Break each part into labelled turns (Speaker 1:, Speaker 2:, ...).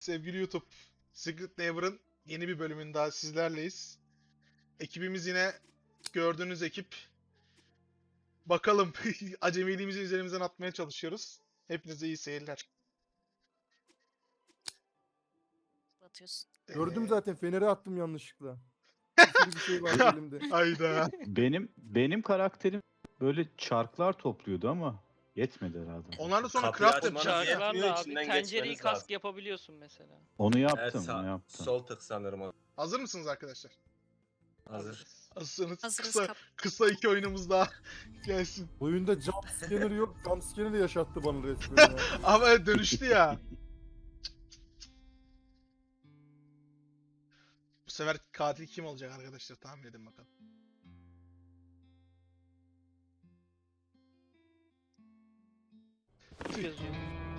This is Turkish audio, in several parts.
Speaker 1: Sevgili YouTube, Secret Neighbor'ın yeni bir bölümünde daha sizlerleyiz. Ekibimiz yine gördüğünüz ekip. Bakalım acemiliğimizi üzerimizden atmaya çalışıyoruz. Hepinize iyi seyirler.
Speaker 2: Atıyorsun.
Speaker 3: Gördüm zaten, feneri attım yanlışlıkla. Bir sürü bir şey vardı elimde.
Speaker 1: Hayda.
Speaker 4: Benim karakterim böyle çarklar topluyordu ama yetmedi herhalde.
Speaker 1: Onlardan sonra
Speaker 5: Kapıyı
Speaker 1: craft
Speaker 5: açmanız
Speaker 1: yapacağız.
Speaker 5: yetmiyor,
Speaker 2: Çarklarla abi
Speaker 5: içinden
Speaker 2: tencereyi
Speaker 5: geçmeniz
Speaker 2: kask
Speaker 5: lazım.
Speaker 2: yapabiliyorsun mesela.
Speaker 4: Onu
Speaker 5: Evet,
Speaker 4: yaptım, onu yaptım.
Speaker 5: sol tık sanırım o.
Speaker 1: Hazır mısınız arkadaşlar?
Speaker 5: Hazır.
Speaker 1: Hazırsanız
Speaker 2: Hazırız
Speaker 1: kısa, kısa iki oyunumuz daha gelsin.
Speaker 3: Oyunda jump scanner yok. Jump scanner de yaşattı bana resmen ya.
Speaker 1: Ama dönüştü ya. Bu sefer katil kim olacak arkadaşlar? Tahmin edin bakalım.
Speaker 2: Yazıyor.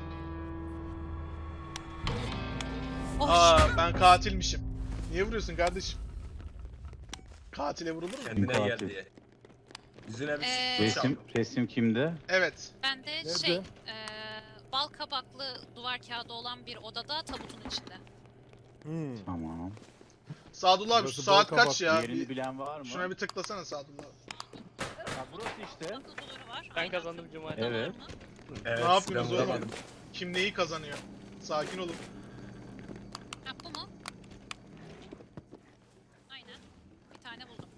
Speaker 1: Aa, ben katilmişim. Niye vuruyorsun kardeşim? Katile vurulur mu?
Speaker 5: Kendine
Speaker 4: Katil.
Speaker 5: gel diye. Yüzüne bir
Speaker 4: Resim kimde?
Speaker 1: Evet.
Speaker 6: Ben de
Speaker 3: Nerede?
Speaker 6: bal kabaklı duvar kağıdı olan bir odada tabutun içinde.
Speaker 4: Tamam.
Speaker 1: Sadullah abi şu
Speaker 3: Burası
Speaker 1: saat
Speaker 3: bal
Speaker 1: kaç ya?
Speaker 4: Yerini bilen var mı?
Speaker 1: Şuna bir tıklasana Sadullah abi.
Speaker 4: Ha, burası işte.
Speaker 6: Akıl duvarı var.
Speaker 2: Ben
Speaker 6: aynen.
Speaker 2: kazandım Cumali.
Speaker 6: Burada var
Speaker 4: Evet.
Speaker 6: mı?
Speaker 5: Evet,
Speaker 1: Ne yapıyorsunuz
Speaker 5: ben
Speaker 1: oğlum?
Speaker 5: vuramadım.
Speaker 1: Kim neyi kazanıyor? Sakin olun.
Speaker 6: Ha, bu mu? Aynen. Bir tane buldum.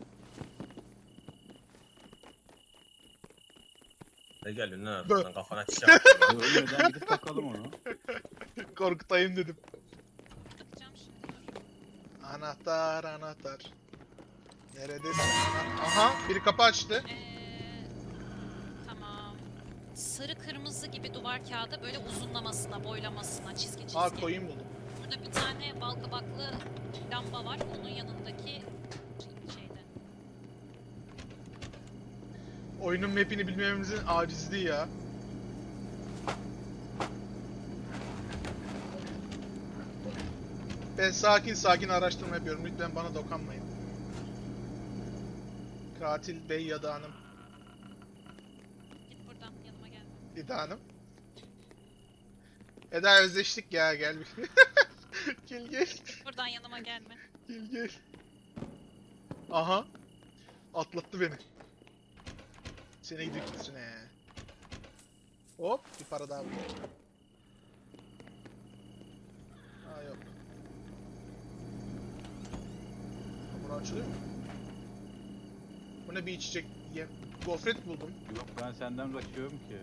Speaker 5: Ne geliyorsun lan
Speaker 1: Bö.
Speaker 5: arkadan kafana çiçek atıyor.
Speaker 4: Ölmeden gidip bakalım onu.
Speaker 1: Korkutayım dedim.
Speaker 6: Bakacağım şimdi. Dur.
Speaker 1: Anahtar, anahtar. Neredesin? Aha, biri kapı açtı.
Speaker 6: Tamam. Sarı kırmızı gibi duvar kağıdı böyle uzunlamasına, boylamasına, çizgi çizgi.
Speaker 1: Aa, koyun buldum.
Speaker 6: Burada bir tane bal kabaklı lamba var. Onun yanındaki şeyde.
Speaker 1: Oyunun map'ini bilmememizin acizliği ya. Ben sakin sakin araştırma yapıyorum. Lütfen bana dokunmayın. Katil bey ya da hanım.
Speaker 6: Git buradan yanıma gel.
Speaker 1: Eda hanım. Eda özleştik ya, gel bir. Gel gel.
Speaker 6: Buradan yanıma gelme.
Speaker 1: Gel gel. Aha. Atlattı beni. Seni gidiyor gitsin he. Hop, bir para daha buldum. Aa, yok. Ha, bura açılıyor mu? Bu ne, bir içecek gofret buldum.
Speaker 4: Yok, ben senden kaçıyorum ki.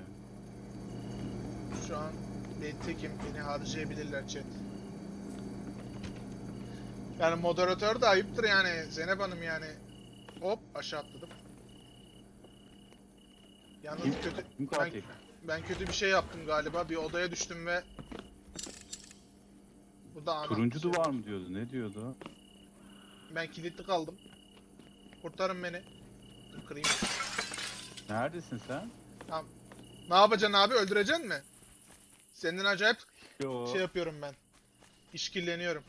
Speaker 1: Şu an ben tekim, beni harcayabilirler chat. Yani moderatör de ayıptır yani Zeynep Hanım yani. Hop, aşağı atladım. Yalnız
Speaker 4: Kim?
Speaker 1: kötü,
Speaker 4: Kim katil?
Speaker 1: ben kötü bir şey yaptım galiba. Bir odaya düştüm ve burada ana.
Speaker 4: Turuncu duvar mı diyordu? Ne diyordu?
Speaker 1: Ben kilitli kaldım. Kurtarın beni. Dur kırayım.
Speaker 4: Neredesin sen?
Speaker 1: Ne yapacaksın abi? Öldüreceksin mi? Senden acayip
Speaker 4: Yo.
Speaker 1: şey yapıyorum ben. İşkilleniyorum.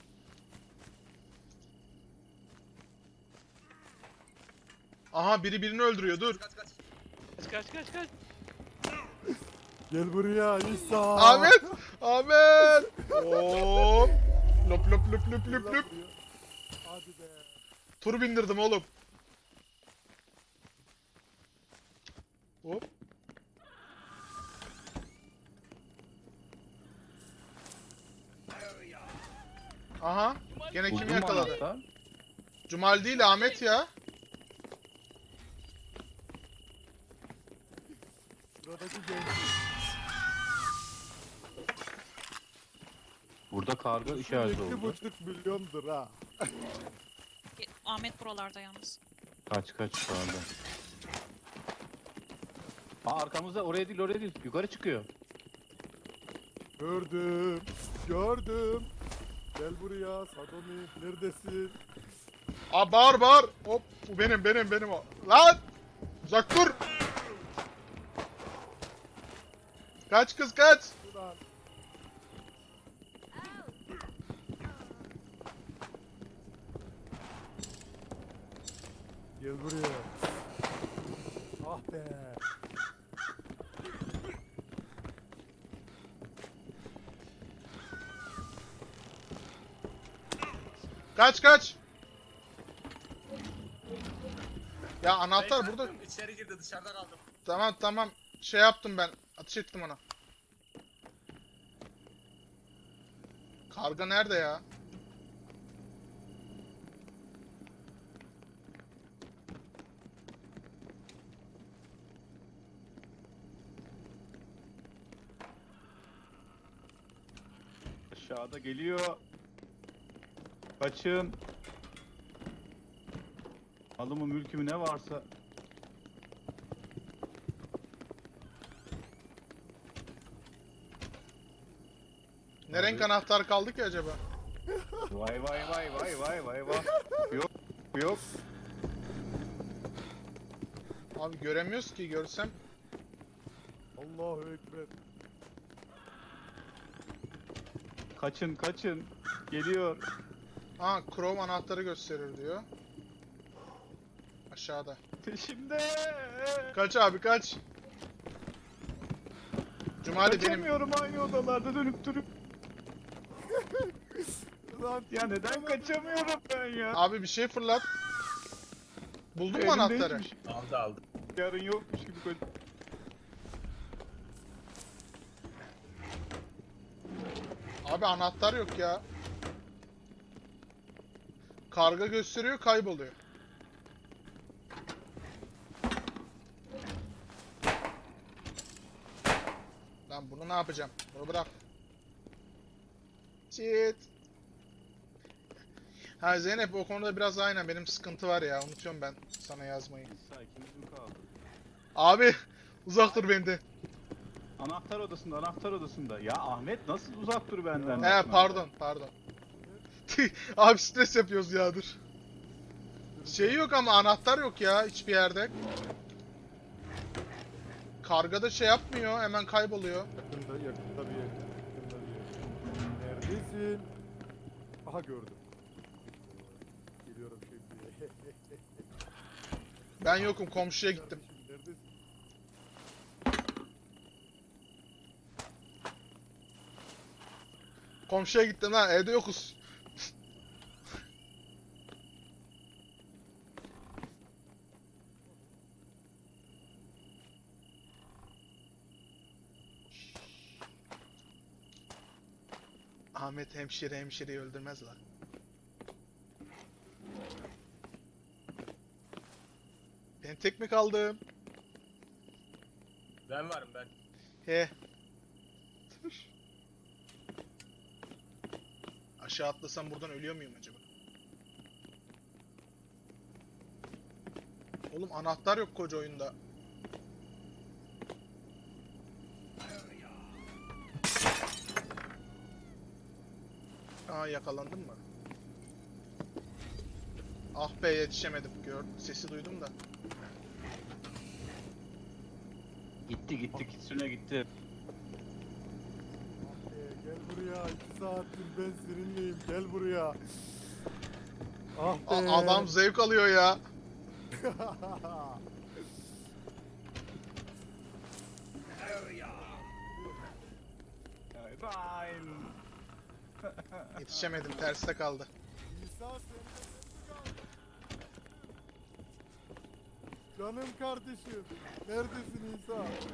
Speaker 1: Aha, biri birini öldürüyor, dur.
Speaker 5: Kaç kaç.
Speaker 2: Kaç.
Speaker 3: Gel buraya İsa.
Speaker 1: Ahmet! Ahmet! Hop! Lop lop lop lop lop lop.
Speaker 3: Hadi be.
Speaker 1: Tur bindirdim oğlum. Hop. Aha. Gene
Speaker 4: Buldun
Speaker 1: kim
Speaker 4: mu
Speaker 1: yakaladı?
Speaker 4: anahtar?
Speaker 1: Cumal değil, Ahmet ya.
Speaker 3: Sıradaki genç.
Speaker 4: Burada karga işareti oldu.
Speaker 3: 2,5 milyondur ha.
Speaker 6: Ahmet buralarda yalnız.
Speaker 4: Kaç pardon. Aa, arkamızda, oraya değil. Yukarı çıkıyor.
Speaker 3: Gördüm. Gördüm. Gel buraya Sadomi. Neredesin?
Speaker 1: Aa, bağır. Hop. Bu benim o. Lan! Uzak dur. Kaç kız kaç.
Speaker 3: Ulan. Gel buraya. Ah be.
Speaker 1: Kaç kaç. Ya anahtar
Speaker 5: Ben
Speaker 1: burada.
Speaker 5: kalktım, İçeri girdi dışarıda kaldım.
Speaker 1: Tamam tamam. Şey yaptım ben. Ateş ettim ona. Karga nerede ya?
Speaker 4: Aşağıda geliyor. Kaçın. Malımı mülkümü ne varsa.
Speaker 1: Ne renk anahtar kaldı ki acaba?
Speaker 4: Vay vay vay vay vay vay vay. Yok yok.
Speaker 1: Abi göremiyoruz ki, görsem.
Speaker 3: Allahu Ekber.
Speaker 4: Kaçın kaçın. Geliyor.
Speaker 1: Ha, Chrome anahtarı gösterir diyor. Aşağıda.
Speaker 4: Peşimde.
Speaker 1: Kaç abi kaç. Cumali benim.
Speaker 4: Kaçamıyorum aynı odalarda dönüp durup.
Speaker 3: Lan
Speaker 4: Ya neden kaçamıyorum ben ya?
Speaker 1: Abi bir şey fırlat. Buldun mu
Speaker 4: Elimde
Speaker 1: anahtarı?
Speaker 4: hiçbir şey-
Speaker 5: Aldı.
Speaker 4: Yarın yokmuş gibi kaç.
Speaker 1: Abi anahtar yok ya. Karga gösteriyor, kayboluyor. Lan bunu ne yapacağım? Bunu bırak. Shit. Ha Zeynep, o konuda biraz aynen benim sıkıntı var ya. Unutuyorum ben sana yazmayı.
Speaker 4: İsa ikimiz mi kaldı?
Speaker 1: Abi uzak dur benden.
Speaker 4: Anahtar odasında, anahtar odasında. Ya Ahmet nasıl uzak dur benden?
Speaker 1: He pardon pardon. Abi stres yapıyoruz ya, dur. Şey yok ama anahtar yok ya hiçbir yerde. Kargada şey yapmıyor, hemen kayboluyor.
Speaker 3: yakında bir yer. Yakında bir yer. Neredesin? Aha gördüm. Geliyorum şimdi.
Speaker 1: Ben yokum, komşuya gittim.
Speaker 3: Neredesin?
Speaker 1: Komşuya gittim lan, evde yokuz. Ahmet hemşireyi öldürmez lan. Ben tek mi kaldım?
Speaker 5: Ben varım ben.
Speaker 1: He. Dur. Aşağı atlasam buradan ölüyor muyum acaba? Oğlum anahtar yok koca oyunda. Aa, yakalandın mı? Ah be, yetişemedim. Sesi duydum da.
Speaker 4: Gitti gitti Kitsune gitti.
Speaker 3: Gel buraya. 2 saattir ben seninleyim. Gel buraya. Ah be.
Speaker 1: Adam zevk alıyor ya.
Speaker 4: Fine.
Speaker 1: Yetişemedim, terste kaldı.
Speaker 3: İsa sende kaldı. Canım kardeşim. Neredesin İsa?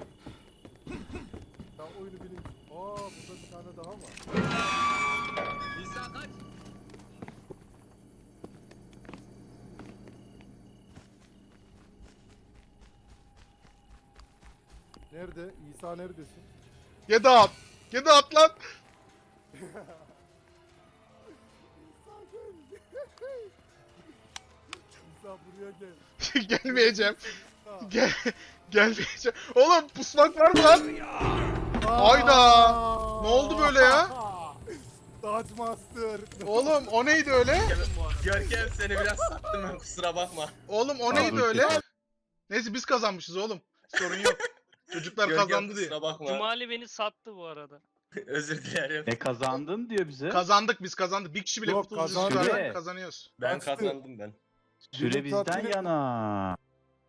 Speaker 3: Ben oyunu bileyim. Aa, burada bir tane daha var.
Speaker 5: İsa kaç.
Speaker 3: Nerede? İsa neredesin?
Speaker 1: Yedi at. Yedi at lan.
Speaker 3: İsa gel. İsa buraya gel.
Speaker 1: Gelmeyeceğim.
Speaker 3: İsa.
Speaker 1: Gelmeyeceğim. Oğlum pusmak var mı lan? Hayda! Ne oldu böyle ya?
Speaker 3: Dodge Master.
Speaker 1: Oğlum o neydi öyle?
Speaker 5: Görkem seni biraz sattım ben, kusura bakma.
Speaker 1: Oğlum o
Speaker 4: Abi,
Speaker 1: neydi öyle?
Speaker 4: kesin.
Speaker 1: Neyse biz kazanmışız oğlum. Sorun yok. Çocuklar
Speaker 5: Görkem
Speaker 1: kazandı diye.
Speaker 5: kusura bakma.
Speaker 2: Cumali beni sattı bu arada.
Speaker 5: Özür dilerim.
Speaker 4: Ne kazandın diyor bize.
Speaker 1: Kazandık, biz kazandık. Bir kişi bile
Speaker 3: Yok,
Speaker 1: kurtuluşu
Speaker 3: kazandı.
Speaker 1: çıkarsa
Speaker 4: Süre.
Speaker 1: kazanıyoruz.
Speaker 5: Ben
Speaker 3: Kaçtı.
Speaker 5: kazandım ben.
Speaker 4: Süre
Speaker 3: Beni
Speaker 4: bizden
Speaker 3: tatmin et-
Speaker 4: yana.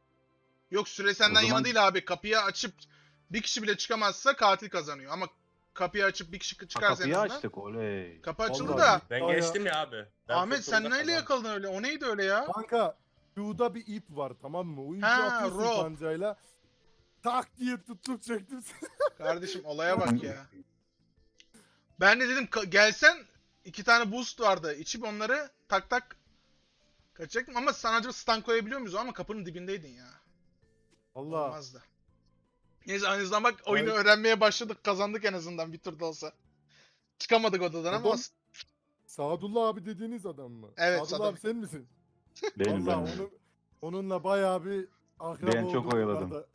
Speaker 1: Yok, süre senden
Speaker 4: O zaman-
Speaker 1: yana değil abi. Kapıyı açıp bir kişi bile çıkamazsa katil kazanıyor. Ama kapıyı açıp bir kişi
Speaker 4: Ha,
Speaker 1: çıkarsa en
Speaker 4: kapıyı
Speaker 1: azından.
Speaker 4: açtık oley.
Speaker 1: Kapı açıldı
Speaker 3: Vallahi
Speaker 1: da.
Speaker 5: Ben
Speaker 3: Aya-
Speaker 5: geçtim ya abi. Ben
Speaker 1: Ahmet
Speaker 5: kurtuldum
Speaker 1: sen
Speaker 5: da
Speaker 1: neyle
Speaker 5: kazandım.
Speaker 1: yakaladın öyle? O neydi öyle ya?
Speaker 3: Kanka Q'da bir ip var tamam mı? O ipi
Speaker 1: Ha,
Speaker 3: atıyorsun
Speaker 1: rope.
Speaker 3: kancayla. Tak diye tuttum çektim seni.
Speaker 1: Kardeşim olaya bak ya. Ben de dedim gelsen 2 tane boost vardı. İçip onları tak tak kaçacaktım ama sana acaba stun koyabiliyor muyuz? Ama kapının dibindeydin ya.
Speaker 3: Allah.
Speaker 1: Olmazdı. Neyse en azından bak oyunu
Speaker 3: Ay.
Speaker 1: öğrenmeye başladık. Kazandık en azından bir turda olsa. Çıkamadık odadan ama
Speaker 3: Adam- Sadullah abi dediğiniz adam mı?
Speaker 1: Evet,
Speaker 3: Sadullah
Speaker 1: Sadullah.
Speaker 3: abi sen misin?
Speaker 4: Benim
Speaker 3: Vallahi
Speaker 4: benim.
Speaker 3: onunla bayağı bir akraba
Speaker 4: Ben çok
Speaker 3: olduk
Speaker 4: oyaladım.
Speaker 3: bu arada.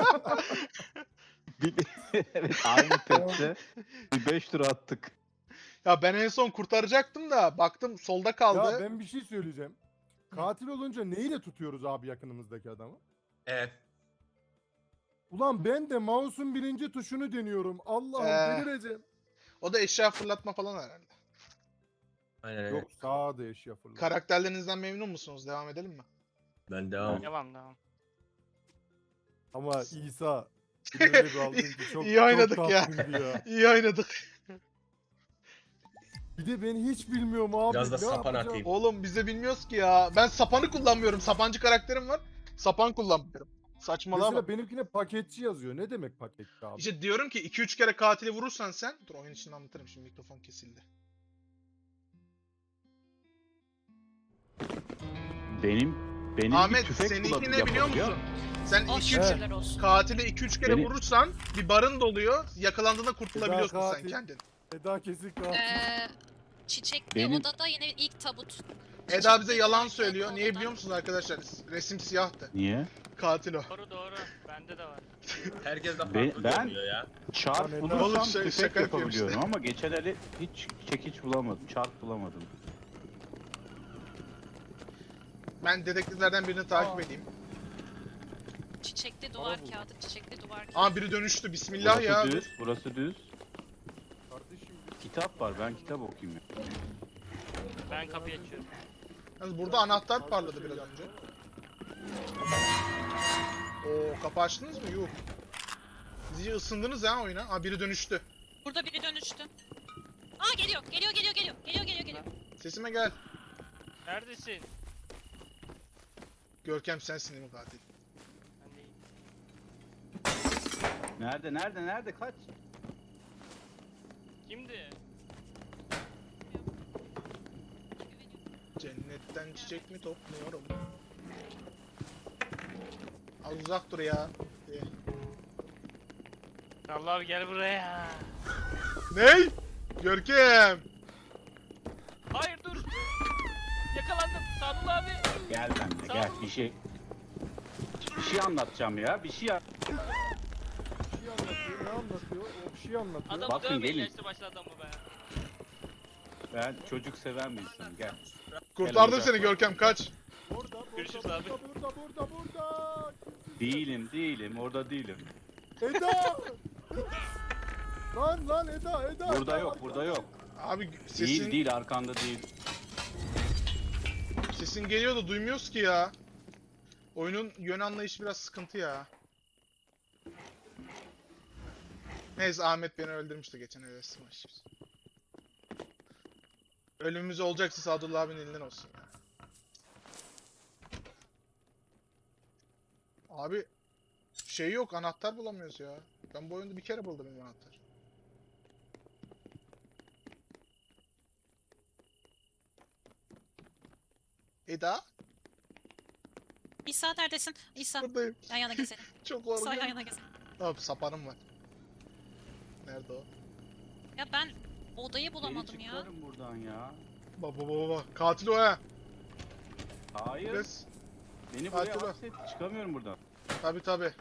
Speaker 4: Evet aynı pette bir 5 tur attık.
Speaker 1: ya ben en son kurtaracaktım da baktım solda kaldı.
Speaker 3: Ya ben bir şey söyleyeceğim. Katil olunca neyle tutuyoruz abi yakınımızdaki adamı?
Speaker 5: Evet.
Speaker 3: Ulan ben de mouse'un birinci tuşunu deniyorum. Allah'ım delireceğim.
Speaker 1: O da eşya fırlatma falan herhalde.
Speaker 5: Aynen öyle.
Speaker 3: Yok sağa da eşya fırlat.
Speaker 1: Karakterlerinizden memnun musunuz? Devam edelim mi?
Speaker 5: Ben devam.
Speaker 2: Devam devam.
Speaker 3: Ama İsa öyle bir aldın ki çok,
Speaker 1: İyi oynadık
Speaker 3: çok
Speaker 1: ya.
Speaker 3: tatlıydı ya.
Speaker 1: İyi oynadık.
Speaker 3: Bir de ben hiç bilmiyorum abi.
Speaker 5: Biraz da
Speaker 3: ne
Speaker 5: sapan
Speaker 3: yapacağım?
Speaker 5: atayım.
Speaker 1: Oğlum biz de bilmiyoruz ki ya. Ben sapanı kullanmıyorum. Sapancı karakterim var. Sapan kullanmıyorum. Saçmalama.
Speaker 3: Mesela benimkine paketçi yazıyor. Ne demek paketçi abi?
Speaker 1: İşte diyorum ki 2-3 kere katili vurursan sen... Dur oyun içinde anlatırım şimdi mikrofon kesildi.
Speaker 4: Benim bir
Speaker 1: Ahmet
Speaker 4: tüfek
Speaker 1: seninki
Speaker 4: bulalım,
Speaker 1: ne biliyor
Speaker 4: yapalım ya.
Speaker 1: musun? Sen
Speaker 6: Oh
Speaker 1: 2-3
Speaker 6: şükürler olsun.
Speaker 1: katile 2-3 kere
Speaker 4: Beni-
Speaker 1: vurursan bir barın doluyor. Yakalandığında kurtulabiliyorsun sen
Speaker 3: katil.
Speaker 1: kendin.
Speaker 3: Eda kesik katil.
Speaker 6: Çiçekli
Speaker 4: Benim-
Speaker 6: odada yine ilk tabut.
Speaker 1: Eda bize
Speaker 6: Çiçekli
Speaker 1: yalan
Speaker 6: duvarda
Speaker 1: söylüyor. Niye
Speaker 6: odadan.
Speaker 1: biliyor musunuz arkadaşlar? Resim siyahtı.
Speaker 4: Niye?
Speaker 1: Katil o.
Speaker 2: Doğru doğru. Bende de var.
Speaker 5: Herkes de
Speaker 4: Ben-
Speaker 5: farklı
Speaker 4: ben-
Speaker 5: görünüyor ya.
Speaker 4: Çarp
Speaker 3: Lan
Speaker 4: bulursam
Speaker 1: Oğlum
Speaker 4: tüfek
Speaker 1: şaka yapıyorum
Speaker 4: yapabiliyorum
Speaker 1: işte.
Speaker 4: ama geçen eli hiç çekiç bulamadım. Çarp bulamadım.
Speaker 1: Ben dedektiflerden birini takip edeyim.
Speaker 6: Çiçekli
Speaker 3: Bana
Speaker 6: duvar
Speaker 3: bu.
Speaker 6: kağıdı, çiçekli duvar kağıdı.
Speaker 1: Aa biri dönüştü. Bismillah
Speaker 4: Burası
Speaker 1: ya.
Speaker 4: düz, burası düz.
Speaker 3: Kardeşim
Speaker 4: Kitap var, ben kitap okuyayım ya.
Speaker 2: Ben kapıyı açıyorum.
Speaker 1: Yalnız burada anahtar parladı biraz önce. Oo kapı açtınız mı? Yok. Siz iyice ısındınız ha oyuna. Aa biri dönüştü.
Speaker 6: Burada biri dönüştü. Aa geliyor, geliyor, geliyor, geliyor. Geliyor, geliyor, geliyor.
Speaker 1: Sesime gel.
Speaker 2: Neredesin?
Speaker 1: Görkem sensin değil mi katil?
Speaker 2: Ben değilim.
Speaker 4: Nerede? Kaç?
Speaker 2: Kimdi?
Speaker 1: Cennetten çiçek mi topluyorum? Az uzak dur ya.
Speaker 2: Allah abi gel buraya.
Speaker 1: Ney? Görkem.
Speaker 2: Hayır dur. Yakalandım. Sadullah abi.
Speaker 4: Gel benimle gel. Bir şey anlatacağım ya. Bir şey
Speaker 3: bir şey anlatıyor. Ne anlatıyor? O bir şey anlatıyor.
Speaker 2: Adamı
Speaker 4: Bakın,
Speaker 2: dövmeyin
Speaker 4: gelin.
Speaker 2: işte başladı adamı be.
Speaker 4: ben çocuk seven bir insanım. Gel.
Speaker 1: Kurtardım
Speaker 4: uzak
Speaker 1: seni
Speaker 4: bak.
Speaker 1: Görkem kaç.
Speaker 3: Burada,
Speaker 2: Görüşürüz
Speaker 3: burada,
Speaker 2: abi.
Speaker 3: burada.
Speaker 4: Değilim. Orada değilim.
Speaker 3: Eda! lan Eda.
Speaker 4: Burada
Speaker 3: Eda,
Speaker 4: yok, burada yok.
Speaker 1: Abi sesin
Speaker 4: Değil, arkanda değil.
Speaker 1: sesin geliyor da duymuyoruz ki ya. Oyunun yön anlayışı biraz sıkıntı ya. Neyse Ahmet beni öldürmüştü geçen eve smash. Ölümümüz olacaksa Sadullah abinin elinden olsun ya. Abi şey yok anahtar bulamıyoruz ya. Ben bu oyunda bir kere buldum bir anahtar. Eda
Speaker 6: İsa neredesin? İsa,
Speaker 1: buradayım.
Speaker 6: yan yana gezelim.
Speaker 1: Çok
Speaker 6: İsa yan
Speaker 1: korkuyorum.
Speaker 6: yana gezelim.
Speaker 1: Abi sapanım var. Nerede o?
Speaker 6: Ya ben odayı bulamadım
Speaker 4: Beni
Speaker 6: ya.
Speaker 4: çıkarın buradan ya.
Speaker 1: Baba. Katil o ha.
Speaker 4: Hayır.
Speaker 1: Biraz.
Speaker 4: Beni buraya
Speaker 1: Katil o.
Speaker 4: hapset. Çıkamıyorum buradan.
Speaker 1: Tabi.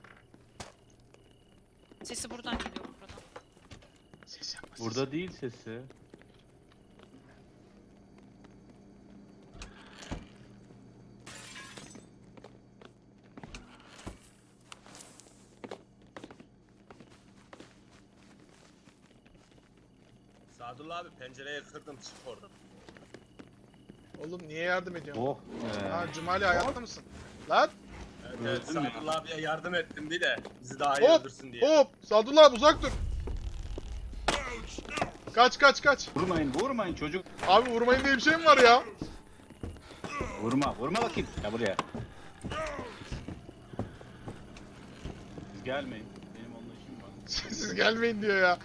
Speaker 6: Sesi buradan geliyor buradan.
Speaker 1: Ses yapma. ses
Speaker 4: Burada değil sesi.
Speaker 5: Sadullah abi pencereyi kırdım çık oradan.
Speaker 1: Oğlum niye yardım ediyorsun?
Speaker 4: Oh.
Speaker 1: Ha Cumali hayatta mısın? Lan
Speaker 5: Evet,
Speaker 4: Öldüm ya.
Speaker 5: Sadullah abiye yardım ettim bir de bizi daha iyi
Speaker 1: Hop,
Speaker 5: öldürsün diye.
Speaker 1: hop Sadullah abi uzak dur. Kaç kaç kaç.
Speaker 4: Vurmayın vurmayın çocuk.
Speaker 1: Abi vurmayın diye bir şey mi var ya?
Speaker 4: Vurma vurma bakayım. Ya buraya. Siz gelmeyin. Benim onunla işim var.
Speaker 1: Siz gelmeyin diyor ya.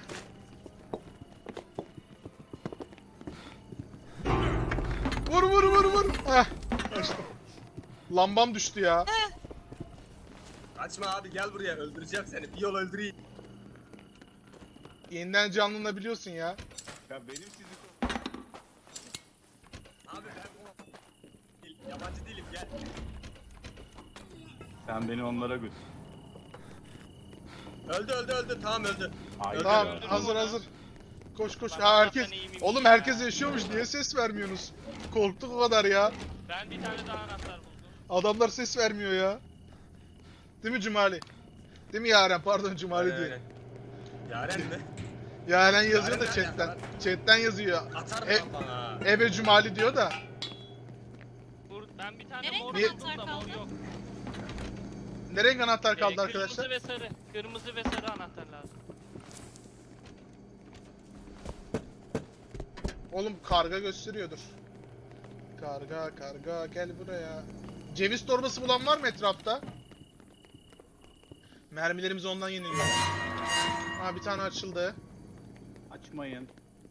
Speaker 1: Vur vur vur vur. Heh. Kaçtım. Lambam düştü ya.
Speaker 5: Kaçma abi gel buraya öldüreceğim seni. Bir yol öldüreyim.
Speaker 1: Yeniden canlanabiliyorsun ya.
Speaker 4: Ya benim sizi...
Speaker 5: Abi ben yabancı değilim gel.
Speaker 4: Sen beni onlara götür.
Speaker 5: Öldü tamam öldü.
Speaker 4: Hayır
Speaker 1: Tamam
Speaker 4: ya.
Speaker 1: hazır hazır. Koş koş.
Speaker 2: Ben
Speaker 1: Ha herkes.
Speaker 2: Allah'tan iyiyim
Speaker 1: Oğlum
Speaker 2: ya.
Speaker 1: herkes yaşıyormuş. Niye ses vermiyorsunuz? Korktuk o kadar ya.
Speaker 2: Ben bir tane daha anahtar buldum.
Speaker 1: Adamlar ses vermiyor ya. Değil mi Cumali? Değil mi Yaren? Pardon Cumali diye.
Speaker 5: Yaren mi?
Speaker 1: Yaren yazıyor da
Speaker 5: Yaren
Speaker 1: chatten.
Speaker 5: nerede?
Speaker 1: Chatten yazıyor.
Speaker 5: Atar
Speaker 1: E-
Speaker 5: mı bana?
Speaker 1: Ebe Cumali diyor da.
Speaker 2: Ben bir tane
Speaker 6: Nereye
Speaker 2: mor
Speaker 1: Niye-
Speaker 2: buldum da mor yok.
Speaker 1: Nereye anahtar kaldı
Speaker 2: Kırmızı
Speaker 1: arkadaşlar?
Speaker 2: ve sarı. Kırmızı ve sarı anahtar lazım.
Speaker 1: Oğlum karga gösteriyordur. Karga gel buraya. Ceviz torbası bulan var mı etrafta? Mermilerimiz ondan yeniliyor. Ha bir tane açıldı.
Speaker 4: Açmayın.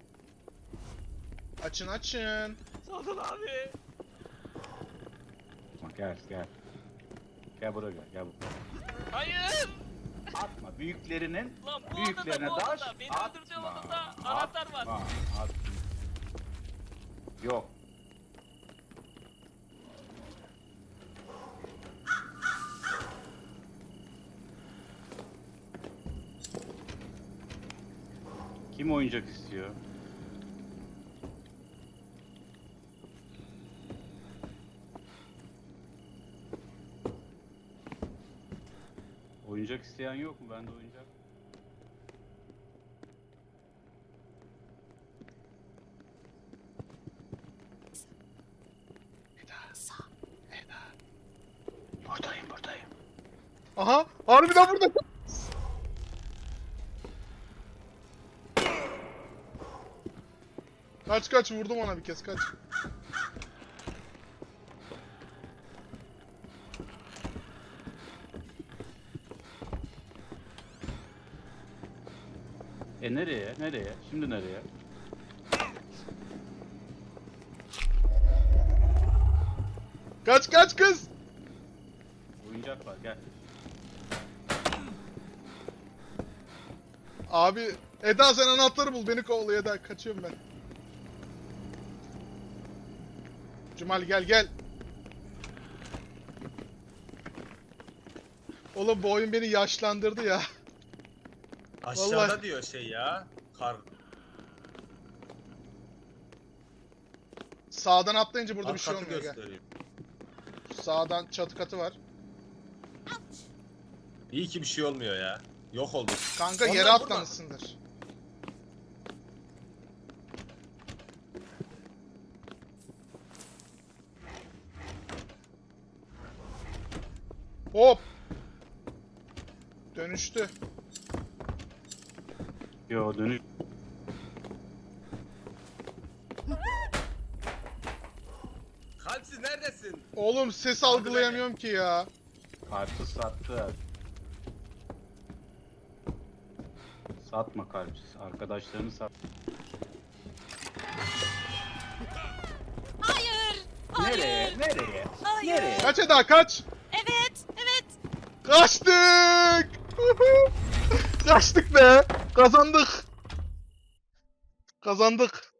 Speaker 1: Açın açın.
Speaker 2: Sadıl abi.
Speaker 4: Bak gel gel. Gel buraya gel. Gel buraya.
Speaker 2: Hayır.
Speaker 4: Atma. Büyüklerinin
Speaker 2: Lan bu
Speaker 4: büyüklerine
Speaker 2: odada, bu
Speaker 4: daş.
Speaker 2: odada. Beni
Speaker 4: atma,
Speaker 2: öldürdüğü odada anahtar var.
Speaker 4: atma, atma. Yok. Kim oyuncak istiyor? Oyuncak isteyen yok mu? Bende oyuncak. Buradayım buradayım.
Speaker 1: Aha harbiden burada. Kaç kaç vurdum ona bir kez kaç.
Speaker 4: Nereye? Nereye? Şimdi nereye?
Speaker 1: Kaç kaç kız.
Speaker 4: Oyuncak var gel.
Speaker 1: Abi Eda sen anahtarı bul beni kovalıyor Eda kaçıyorum ben. Cumali gel gel. Oğlum bu oyun beni yaşlandırdı ya.
Speaker 5: Aşağıda
Speaker 1: Vallahi.
Speaker 5: diyor şey ya. Kar.
Speaker 1: Sağdan atlayınca burada
Speaker 5: Alt
Speaker 1: bir şey
Speaker 5: katı
Speaker 1: olmuyor gel.
Speaker 5: gösteriyor.
Speaker 1: Sağdan çatı katı var.
Speaker 5: İyi ki bir şey olmuyor ya. Yok oldu.
Speaker 1: Kanka
Speaker 5: Onlar
Speaker 1: yere
Speaker 5: burada.
Speaker 1: atlamışsındır. Hop. Dönüştü.
Speaker 4: Yo dönüş.
Speaker 5: Kalpsiz neredesin?
Speaker 1: Oğlum ses algılayamıyorum ki ya.
Speaker 4: Karpuz sattı. Satma karpuz. Arkadaşlarını sat.
Speaker 6: Hayır. Hayır.
Speaker 4: Nereye? Nereye?
Speaker 6: Hayır.
Speaker 4: Nereye?
Speaker 1: Kaç Eda kaç.
Speaker 6: Evet. Evet.
Speaker 1: Kaçtık. Kaçtık be. Kazandık. Kazandık.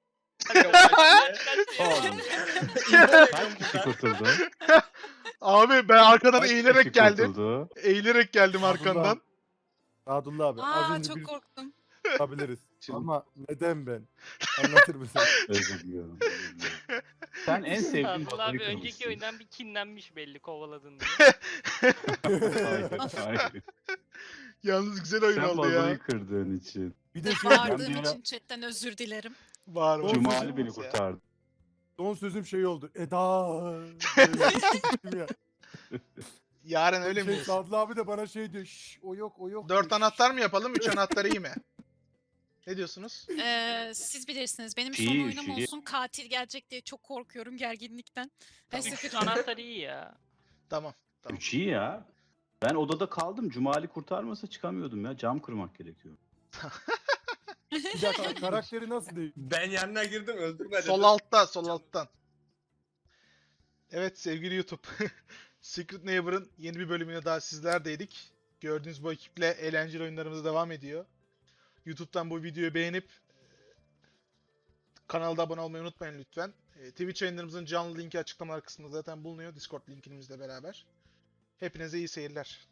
Speaker 4: Oğlum.
Speaker 5: İnfo
Speaker 4: Kaç kişi kurtuldu?
Speaker 1: Abi ben arkadan
Speaker 4: Kaç
Speaker 1: eğilerek
Speaker 4: kişi
Speaker 1: geldim.
Speaker 4: kurtuldu?
Speaker 1: Eğilerek geldim
Speaker 3: Abdullah.
Speaker 1: arkandan.
Speaker 3: Sadullah abi az
Speaker 6: Aa
Speaker 3: önce
Speaker 6: çok
Speaker 3: bir
Speaker 6: korktum.
Speaker 3: yapabiliriz.
Speaker 4: Şimdi-
Speaker 3: Ama neden ben? Anlatır mısın?
Speaker 4: Özür diliyorum. özür diliyorum. Sen en sevdiğin
Speaker 2: Sadıl
Speaker 4: babayı
Speaker 2: abi önceki
Speaker 4: kırmışsın.
Speaker 2: oyundan bir kinlenmiş belli kovaladın diye.
Speaker 4: Hayır, hayır.
Speaker 1: Yalnız güzel oyun
Speaker 4: Sen
Speaker 1: oldu ya.
Speaker 4: babayı kırdığın için.
Speaker 3: Bir de şey
Speaker 6: Bağırdığım
Speaker 4: Ben bir
Speaker 6: için chatten özür dilerim.
Speaker 1: Var var.
Speaker 4: Cumali beni kurtardı.
Speaker 3: son sözüm şey oldu. Eda. Böyle ya.
Speaker 1: Yarın öyle
Speaker 3: Şey,
Speaker 1: miyiz?
Speaker 3: Sadullah abi de bana şey diyor. Şş, o yok o yok.
Speaker 1: 4
Speaker 3: diyor.
Speaker 1: anahtar mı yapalım? 3 anahtar iyi mi? Ne diyorsunuz?
Speaker 6: Siz bilirsiniz. Benim
Speaker 4: İyi,
Speaker 6: son oyunum
Speaker 4: iyi.
Speaker 6: olsun. Katil gelecek diye çok korkuyorum gerginlikten.
Speaker 1: Tamam.
Speaker 6: Neyse,
Speaker 2: Üç anahtar iyi ya.
Speaker 1: Tamam. Tamam.
Speaker 4: 3 iyi ya. Ben odada kaldım. Cumali kurtarmasa çıkamıyordum ya. Cam kırmak gerekiyor.
Speaker 3: Bir dakika karakteri nasıl değil?
Speaker 5: Ben yanına girdim öldürme
Speaker 1: Sol
Speaker 5: dedim.
Speaker 1: altta, sol alttan. Evet sevgili YouTube. Secret Neighbor'ın yeni bir bölümüne daha sizlerdeydik. Gördüğünüz bu ekiple eğlenceli oyunlarımız devam ediyor. YouTube'dan bu videoyu beğenip kanalda abone olmayı unutmayın lütfen. Twitch yayınlarımızın canlı linki açıklamalar kısmında zaten bulunuyor. Discord linkimizle beraber. Hepinize iyi seyirler.